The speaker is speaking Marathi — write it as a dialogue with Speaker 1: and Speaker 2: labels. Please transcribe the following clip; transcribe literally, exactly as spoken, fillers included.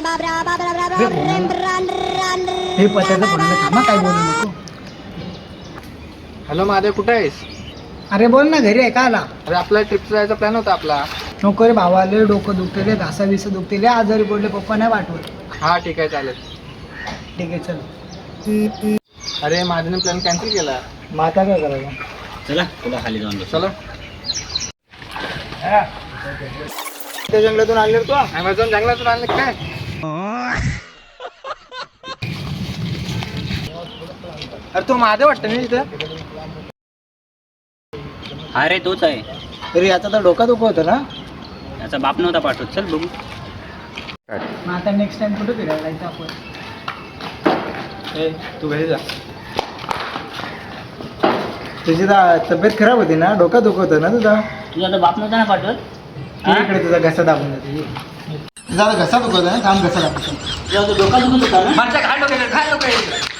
Speaker 1: हे पत्याचं पडलं थांबा काय बोलू नको.
Speaker 2: हॅलो महादेव, कुठे आहेस?
Speaker 1: अरे बोल ना, घरी आहे का आला?
Speaker 2: अरे आपला ट्रिपचा जायचा प्लॅन होता आपला.
Speaker 1: नको रे भावाले, डोकं दुखते, घासा बिसा दुखते, आजारी पडले, पप्पा नाही पाठवत.
Speaker 2: हा ठीक आहे चालेल.
Speaker 1: ठीक आहे चल.
Speaker 2: अरे महादेवने प्लॅन कॅन्सल केला.
Speaker 1: मग आता काय करायचं?
Speaker 3: चला तुला खाली जाऊन बस.
Speaker 2: चलो.
Speaker 1: त्या जंगलातून आणले तू?
Speaker 2: अमेझॉन जंगलातून आणले काय? अरे तो महादेव वाटतं ना तिथं.
Speaker 3: हा रे तोच आहे.
Speaker 1: तरी आता तर डोका दुखत होतं ना.
Speaker 3: याचा बाप नव्हता पाठवत. चल बघू.
Speaker 1: मग आता नेक्स्ट टाइम कुठे फिरायला जायचं आपण?
Speaker 2: ए तू घरी जा.
Speaker 1: तुझी दा- तब्येत खराब होती ना, डोका दुखत होतं ना तुझा.
Speaker 3: तुझा तर बाप नव्हता ना पाठवत.
Speaker 1: ये इकडे, तुझा घसा दाबून जाते. तुझा घसा दुखत आहे ना, थांब घसा दाबतो.
Speaker 3: तुझा तो डोका दुखत होता ना.
Speaker 2: माझ्या काय डोक्यात काय डोक्यात